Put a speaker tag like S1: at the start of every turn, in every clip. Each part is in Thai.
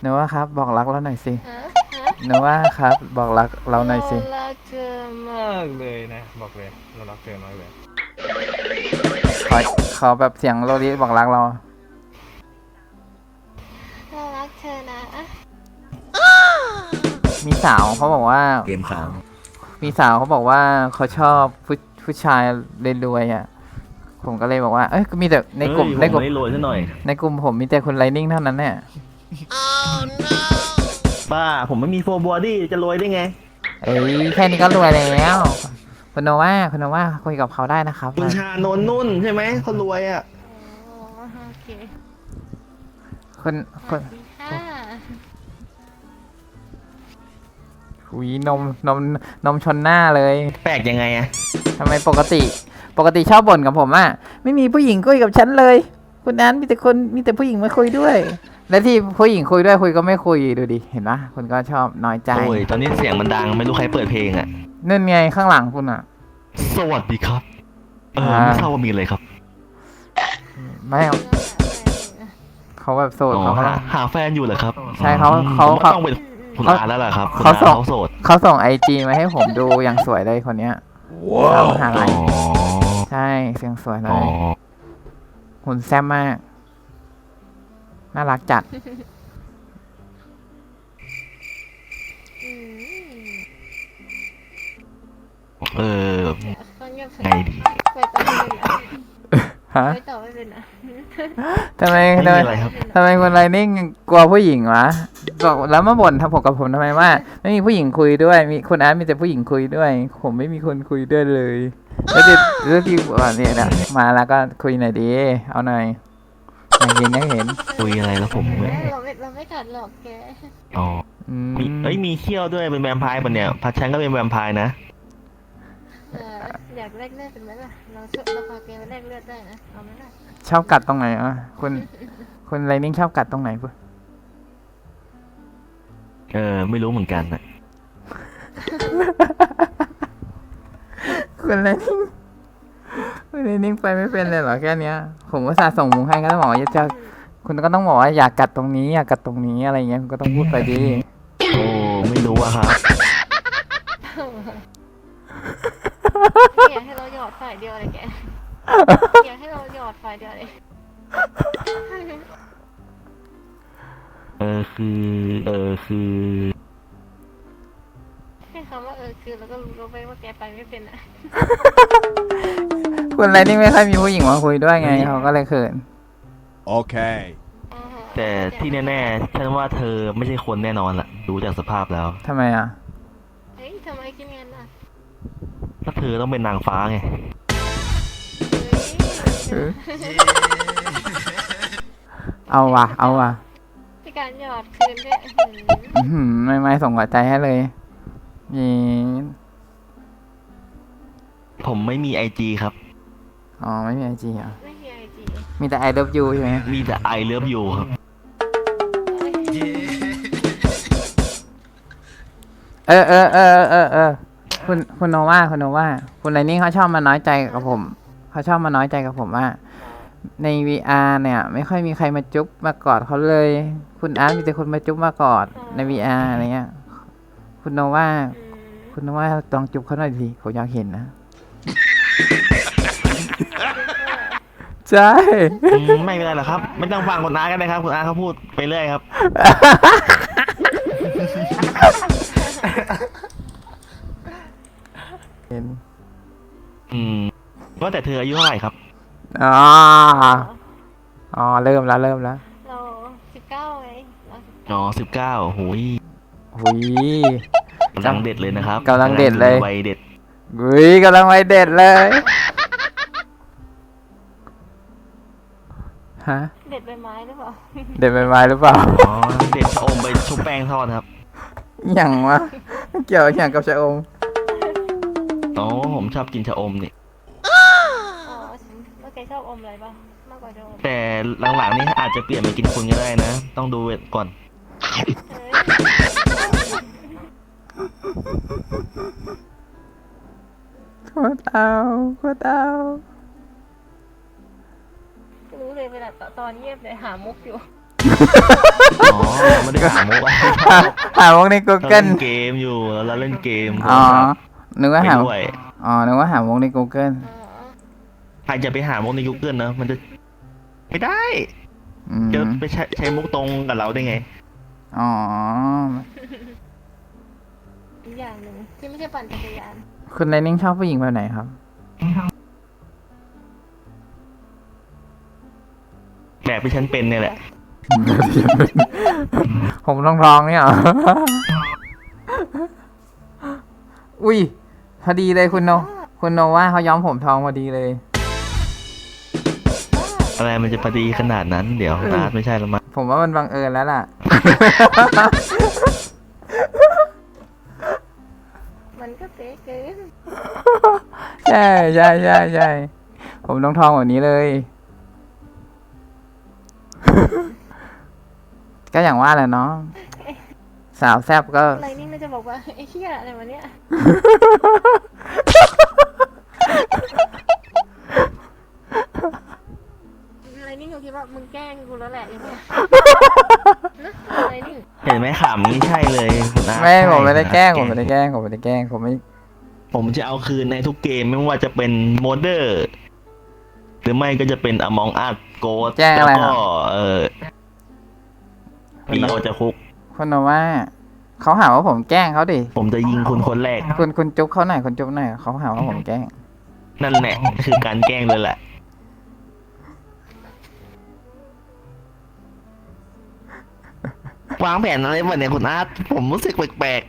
S1: หนูว่าครับบอกรักเราหน่อยสิ
S2: ฮะ
S1: หนูว่าครับบอกรักเราหน่อย
S2: เรา
S1: สิ
S2: รักเธอมากเลยนะบอกเลยเรารักเธอมากเลย
S1: ขอขอแบบเสียงโลลิบอกรักเรา
S2: เรารักเธอนะ
S1: มีสาวเขาบอกว่า
S3: เกมค้าง
S1: มีสาวเขาบอกว่าเขาชอบผู้ชายรวยๆอ่ะผมก็เลยบอกว่าเอ้ยมีแต่ในกลุ่ม
S3: เฮ้ยผมไม่ได้โรยซะหน่อย
S1: ในกลุ่มผมมีแต่คนไลนิ่งเท่านั้นเนี่ย
S3: ป้าผมไม่มีโฟร์บอดี้จะโรยได้ไง
S1: เอ้ยแค่นี้ก็รวยแล้วคุณโนว่าคุยกับเขาได้นะครับ
S3: คุณชานนท์นุ่นใช่ไหมคนรวยอ่ะ
S2: โอ้โอเค
S1: คน
S2: สวัสดีค่ะ
S1: หุยนมชนหน้าเลย
S3: แปลกยังไงอ่ะ
S1: ทำไมปกติชอบบ่นกับผมอ่ะไม่มีผู้หญิงคุยกับฉันเลยคุณนั้นมีแต่ผู้หญิงมาคุยด้วย และที่ผู้หญิงคุยด้วยคุยก็ไม่คุยดูดิเห็นปะคุณก็ชอบน้อยใจ
S3: โอ้ยตอนนี้เสียงมันดังไม่รู้ใครเปิดเพลงอ่ะ
S1: นั่นไงข้างหลังคุณอ่ะ
S3: สวัสดีครับไม่ทราบว่ามีอะไรครับ
S1: ไม่เอาเขาแบบโสด
S3: อ๋อ
S1: เขาก็
S3: หาแฟนอยู่เหรอครับ
S1: ใช่เขา
S3: ผมว่าต้องเป็นคุณอาแล้วล่ะครับคุณ
S1: เขา
S3: อา
S1: ส่ง
S3: เขาโสด
S1: เขาส่งIGมาให้ผมดูอย่างสวยเลยคนเนี้ยสาวมหา
S3: อ๋
S1: ลั
S3: อย
S1: ใช่เสียงสวยเล
S3: อ๋อย
S1: หุ่นแซ่บมาก น่ารักจัด
S2: อืม
S3: เออ
S2: เขาเงียบ
S3: ไงดี
S2: ไปต่อไม่เป็นนะ
S1: ฮะ
S2: ไปต่อไม่เป็นนะ
S1: ทำไม
S3: ไม่มีอะไรครับ
S1: ทำไมคนไรนิ่งกลัวผู้หญิงวะบอกแล้วมาบ่นทำผมกับผมทำไมว่า ไม่มีผู้หญิงคุยด้วยมีคุณอาร์ตมีแต่ผู้หญิงคุยด้วย ผมไม่มีคนคุยด้วยเลยแล้วที่ว่าเนี่ยนะมาแล้วก็คุยหน่อยดีเอาหน่อยอยากเห็น
S3: คุยอะไรแล้วผมไม่
S2: เราไม่กัดหรอกแก
S3: อ๋อ
S1: อืม
S3: มีเขี้ยวด้วยเป็นแวมไพร์ปะเนี่ยพัชชันก็เป็นแวมไพร์นะ
S2: เอออยากแลกเลือดเป็นไหมล่ะเราพาแกไปแลกเลือดได้นะเอาไหมล่ะ
S1: ชอบกัดตรงไหนอ่ะคุณไรนิ่งชอบกัดตรงไหนปุ๊
S3: ไม่รู้เหมือนกันนะ
S1: คุณไรนิ่งคุณไรนิ่งไปไม่เป็นเลยเหรอแค่เนี้ย ผมก็สาส่งมุงให้ก็ต้องบอกว่าจะคุณก็ต้องบอกว่าอยากกัดตรงนี้อยากกัดตรงนี้อะไรเงี้ยคุณก็ต้องพูดไปดี
S3: โอ้ไม่รู้อะครับ
S2: อยากให้เราหยอดฝ่ายเดียวเลยแกอยากให้เราหยอดฝ่ายเดียวเลย
S3: คือ
S2: แค่คำว่าคือเราก็รู้ไปว่าแกไปไม่เป็นอ่ะ
S1: คุณไรนิ่งไม่ค่อยมีผู้หญิงมาคุยด้วยไงเขาก็เลยเขิน
S4: Okay.
S3: แต่ที่แน่ๆฉันว่าเธอไม่ใช่คนแน่นอนล่ะดูจากสภาพแล้ว
S1: ทำไมอ่ะ
S2: เฮ้ยทำไมคิดงั้นอ่ะ
S3: ถ้าเธอต้องเป็นนางฟ้าไง
S2: เฮ้ย
S1: เอาว่ะ
S2: พี่การหยอดคืนด้วย
S1: ไม่ส่งหัวใจให้เลยนี่
S3: ผมไม่มีไอจีครับ
S1: อ๋อไม่มีIG อ่ะ
S2: ไม่มีไอจี
S1: มีแต่ I love you ใช่ไหม
S3: มีแต่ไอเลิฟยูครับ
S1: คุณโนว่าคุณไรนิ่งเขาชอบมาน้อยใจกับผมเขาชอบมาน้อยใจกับผมว่า ใน VR เนี่ย ไม่ค่อยมีใครมาจุ๊บมากอดเขาเลย คุณอาร์ตมีแต่คนมาจุ๊บมากอดใน VR อะไรเงี้ยคุณโนว่าลองจุ๊บเขาหน่อยสิผมอยากเห็นนะใช่
S3: ไม่เป็นไรหรอกครับ ไม่ต้องฟังคุณอาก็ได้ครับคุณอาเขาพูดไปเรื่อยครับ
S1: เห็น
S3: ว่าแต่เธออายุเท่าไหร่ครับ
S1: อ๋อเริ่มแล้ว
S2: เรา19ไงเรา
S3: อ๋อ19หุย
S1: หุย
S3: กำลังเด็ดเลยนะครับ
S1: กำลังเด็ดเลย
S3: วัยเด็ด
S1: หุยกำลังไปเด็ดเลยฮะ
S2: เด็ดใบไม้หรือเปล่า
S1: เด็ดใบไม้หรือเปล่า
S3: อ๋อเด็ดชะอมไปชุบแป้งทอดครับ
S1: อย่างวะเกี่ยวอย่างกับชะอม
S3: อ๋อผมชอบกินชะอมนี่
S2: อ๋อแล้วแกชอบอมอะไรบ้างมากกว่าจะอม
S3: แต่หลังๆนี่อาจจะเปลี่ยนมากินคุณก็ได้นะ ต้องดูก่อน
S2: เฮ้ย
S1: โคตรเอา
S2: รู้เลยเวลาตอนเงียบเลยหามุกอยู่
S3: อ๋อไม่ได้หามุกอะไร
S1: หาวงใน
S3: เรา
S1: Google
S3: เล่นเกมอยู่เราเล่นเกม
S1: อ๋อ นึกว่า
S3: ไป
S1: หา
S3: ด้วย
S1: อ๋อ นึกว่าหาวงใน Google
S2: อ๋อ
S3: ใครจะไปหามุกใน Google นะมันจะไม่ได้
S1: อืม
S3: จะไปใช้มุกตรงกับเราได้ไง
S1: อ๋อ
S2: อีกอย่างหนึ่งที่ไม่ใช่ปั่นจักรยาน
S1: คุณไลนิ่งชอบผู้หญิงแบบไหนครับ
S3: แบบที่ฉันเป็นเนี่ยแหละ
S1: ผมต้องร้องเนี่ยเหรอ อุ้ย พอดีเลยคุณโนว่าเขาย้อมผมทองพอดีเลย
S3: อะไรมันจะพอดีขนาดนั้นเดี๋ยวนัดไม่ใช่แล้วมั้ง
S1: ผมว่ามันบังเอิญแล้วล่ะ
S2: มันก็เป๊ะเกิน
S1: ใช่ใช่ใช่ใช่ผมต้องทองแบบนี้เลย ก็อย่างว่าแหละเนาะสาวแซบก็
S2: อะไรนี่น่าจะบอกว่าไอ้เหี้ยอะไรวะเนี่ยอะไรนี่กูคิดว่ามึงแกล้งกูแล้วแหละไอ้เนี่ยนะอะไรนี่
S3: เห็นไหมขำนี่ใช่เลยคุณนัท
S1: ไม่
S3: ใช่
S1: ผมไม่ได้แกล้ง
S3: คุณ
S1: ผม
S3: นัท
S1: ไม่ได้แกล้งผมไม่ได้แกล้งผมไม่
S3: ผมจะเอาคืนในทุกเกมไม่ว่าจะเป็นโมเดอร์หรือไม่ก็จะเป็น Among Us Ghost
S1: แจ้งอะไร
S3: แล้ว
S1: ครั
S3: ก็
S1: บ
S3: ปีโอจะคุก
S1: คุณโนว่าเขาหาว่าผมแกล้งเขาดิ
S3: ผมจะยิงคุณคนแรก
S1: คุณจุ๊บเขาหน่อยคุณจุ๊บหน่อยเขาหาว่าผมแกล้ง
S3: นั่นแหละคือการแกล้งเลยแหละ วางแผนอะไรวะเนี่ยคุณอาร์ตผมรู้สึกแปลก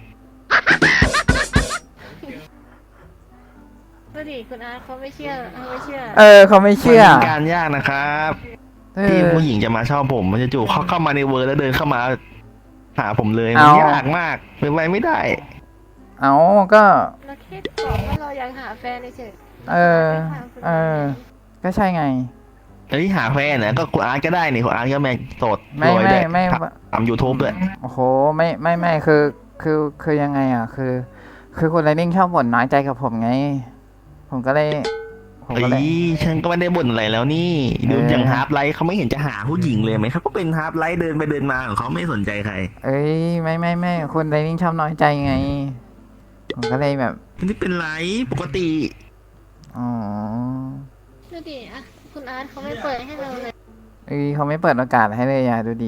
S2: ดูดิคุณอาร์ตเขาไม่เชื่อเขาไม่เชื่อ
S1: เขาไม่
S3: ๆ
S1: เชื่อ
S3: มันเป็นการยากนะครับ
S1: เอ
S3: ที่
S1: อ
S3: ผู้หญิงจะมาชอบผมมันจะจู่เขาเข้ามาในเวิร์แล้วเดินเข้ามาหาผมเลย
S1: เอา
S3: มันยากมากเป็นไปไม่ได้
S1: เอาก็
S2: เราแค่บอกว่าเราอยากหาแฟนเฉย
S1: เออ ก็ใช่ไง
S3: เอ้ยหาแฟนนะก็คุณอาร์ตก็ได้นี่คุณอาร์ตก็แม่งโสด
S1: ไม่
S3: รวยด้วย
S1: ไม่
S3: ทำยูทูบด้วย
S1: โอ้โหไม่คือยังไงอ่ะ คือคุณไลนิ่งชอบบ่นน้อยใจกับผมไง ผมก็เลย
S3: เอ้ยฉันก็ไม่ได้บ่นอะไรแล้วนี่ดูอย่างฮาร์ปไลท์เขาไม่เห็นจะหาผู้หญิงเลยไหมเขาก็เป็นฮาร์ปไลท์เดินไปเดินมาของเขาไม่สนใจใคร
S1: เอ้ยไม่คุณไลนิ่งชอบน้อยใจไง ผมก็เลยแบบ
S3: นี่เป็นไรปกติ
S1: อ๋อ
S2: ๆดูดิอ่ะคุณอาร์ตเขาไม่เปิดให้เราเลย
S1: เขาไม่เปิดโอกาสให้เลยอ่ะดูดี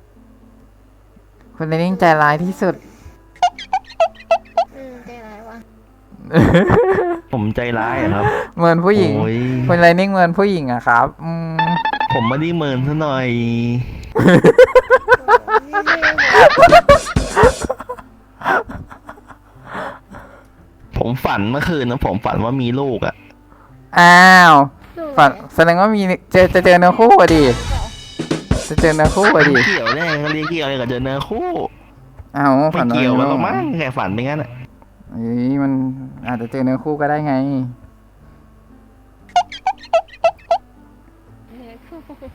S1: คุณไลนิ่งใจร้ายที่สุด
S2: ใจร้ายวะ
S3: ผมใจร้ายอะครับ
S1: เหมือนผู้หญิง
S3: โอ้ย
S1: คุณไลนิ่งเหมือนผู้หญิงอะครับ
S3: ผมไม่ได้เมินซะหน่อย
S2: นี่เลย
S3: ผมฝันเมื่อคืนนะผมฝันว่ามีลูกอ่ะ
S1: อ้าว
S2: ดู
S1: ฝันแสดงว่ามีจะเจอเนื้อคู่อะดิจะเจอเนื้อคู่อะดิ
S3: เกี่ยวได้ไงเขาเรียกเกี่ยวอะไรกับเจอเนื้อคู่
S1: อ้าว
S3: ไม่
S1: ฝันว่า
S3: เกี่ยว
S1: มี
S3: กันหร
S1: ลู
S3: อก
S1: ก
S3: มั้งแค่ฝันไปงั้นอะ
S1: มันอาจจะเจอเนื้อคู่ก็ได้ไง
S2: เนี่ยคู่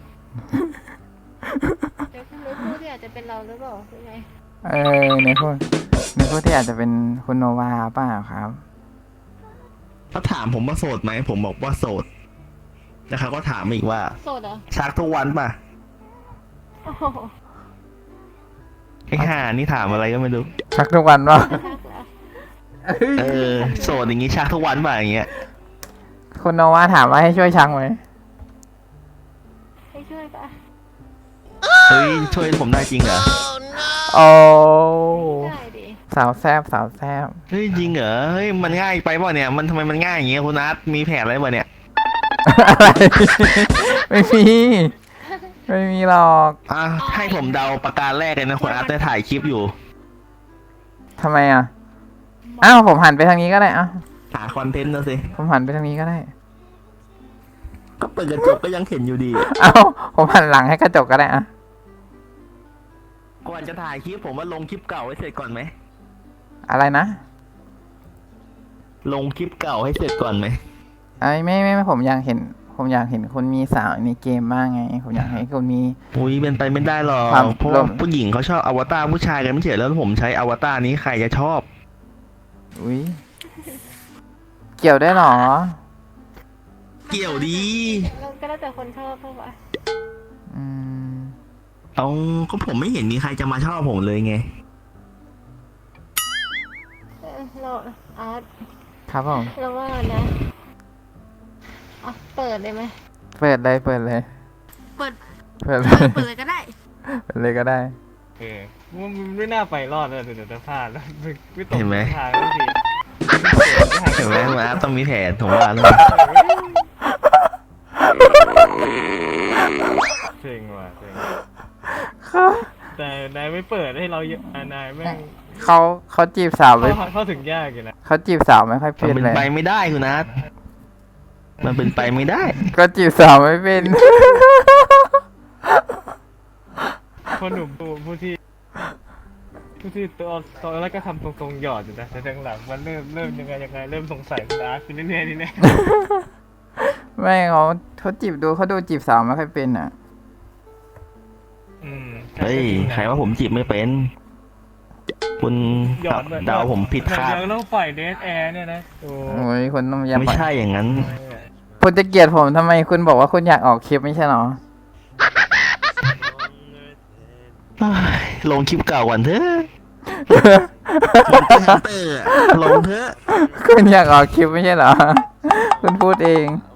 S2: เดี๋ยวคุณรู้คู่ที่อาจจะเป็นเราหรือเปล่าคือไง
S1: เนื้อคู่ที่อาจจะเป็นคุณโนวาเปล่าครับ
S3: เขาถามผมว่าโสดไหมผมบอกว่าโสดแล้วเขาก็ถามอีกว่า
S2: โสดเหรอ
S3: ชักทุกวันป่ะ
S2: โอ้โห
S3: ไอ้ห่านี่ถามอะไรก็ไม่รู้
S1: ชักทุกวันป่ะ
S2: ชักแล้ว
S3: โสดอย่างงี้ชักทุกวันป่ะอย่างเงี้ย
S1: คุณโนวาถามว่าให้ช่วยชักไหม
S2: ให้ช่วยปะ
S3: เฮ้ยช่วยผมได้จริงเหรอ
S1: โอ้
S2: ได้ดิ
S1: สาวแซบ
S3: เฮ้ยจริงเหรอเฮ้ยมันง่ายไปเปล่ะเนี่ยมันทำไมมันง่ายอย่างเงี้ยคุณนัทมีแผนอะไรป่ะเนี่ย
S1: อะไร ไม่มีหรอก
S3: อ่ะให้ผมเดาประการแรกเลยนะคุณนัทได้ถ่ายคลิปอยู่
S1: ทำไมอ่ะ อ้าวผมหันไปทางนี้ก็ได้อ่ะ
S3: หาคอนเทนต์นะสิ
S1: ผมหันไปทางนี้ก็ได้
S3: ก็เปิดกระจกก็ยังเห็นอยู่ดี
S1: อ้าวผมหันหลังให้กระจกก็ได้อ่ะ
S3: ก่อนจะถ่ายคลิปผมว่าลงคลิปเก่าให้เสร็จก่อนไหม
S1: อะไรนะ
S3: ลงคลิปเก่าให้เสร็จก่อนไหม
S1: ไม่ผมอยากเห็นคุณมีสาวในเกมบ้างไง ผมอยากให้คุณมี
S3: อุ้ยเป็นไปไม่ได้หรอก
S1: ความ
S3: เพราะว่าผู้หญิงเขาชอบอวตารผู้ชายกันไม่ใช่แล้วผมใช้อวตารนี้ใครจะชอบ
S1: อุ้ยเกี่ยวได้หรอ
S3: เกี่ยวดี
S2: เราก็แล้วแต่คนชอบเท่าไหร่
S1: อืม
S3: เอาก็ผมไม่เห็นมีใครจะมาชอบผมเลยไง
S2: เราอาร์ต
S1: ครับผม
S2: เราว่านะอ่ะเปิดเลยไหม
S1: เปิดเลยเปิดเลย
S2: เปิด
S1: เปิดเลย
S2: เปิดเลยก็ได้
S1: เปิดเลยก็ได้
S4: มันไม่น่าไปรอดเลยเดี๋ยวจะพลาดแล้วไม่ตก
S3: เห็นไหม
S4: ทางทันที
S3: เห็นไหมมาต้องมีแผนผมว่าแล้ว
S4: เซ็งว่ะเซ็ง
S1: ครับ
S4: แต่นายไม่เปิดให้เราเยอะนายแม่ง
S1: เขาจีบสาวไม่
S4: เข้าถึงยากอยู่นะ
S1: เขาจีบสาวไม่ค่อย
S3: มั
S1: เป็น น
S3: เป็น
S1: เลย
S3: ไปไม่ได้คุณนัทมันเป็นไปไม่ได้
S1: ก็จีบสาวไม่เป็น
S4: คนหนุ่มผู้ที่ตัวแรกก็ทำตรงๆหยอดอยู่นะแต่หลังๆมันเริ่มยังไงเริ่มสงสัยคุณอาร์ตขึ้นเรื่อยๆนี่แน่
S1: ไม่เขาจีบเขาดูจีบสาวไม่ค่อยเป็นอ่ะ
S3: เฮ้ยใครว่าผมจีบไม่เป็น คุณ
S4: หยอด
S3: เดาผมผิดคาด
S4: ยังต้องปล่อยเดทแอร์เนี่ยนะโอ้
S1: โอ้ยคุณต้องย้ำ
S3: ไม่ใช่อย่างนั้น
S1: คุณจะเกลียดผมทำไมคุณบอกว่าคุณอยากออกคลิปไม่ใช่เหรอ
S3: เฮ้ยลงคลิปเก่าก่อนเถอะลงเถอะ
S1: คุณอยากออกคลิปไม่ใช่เหรอ คุณพูดเอง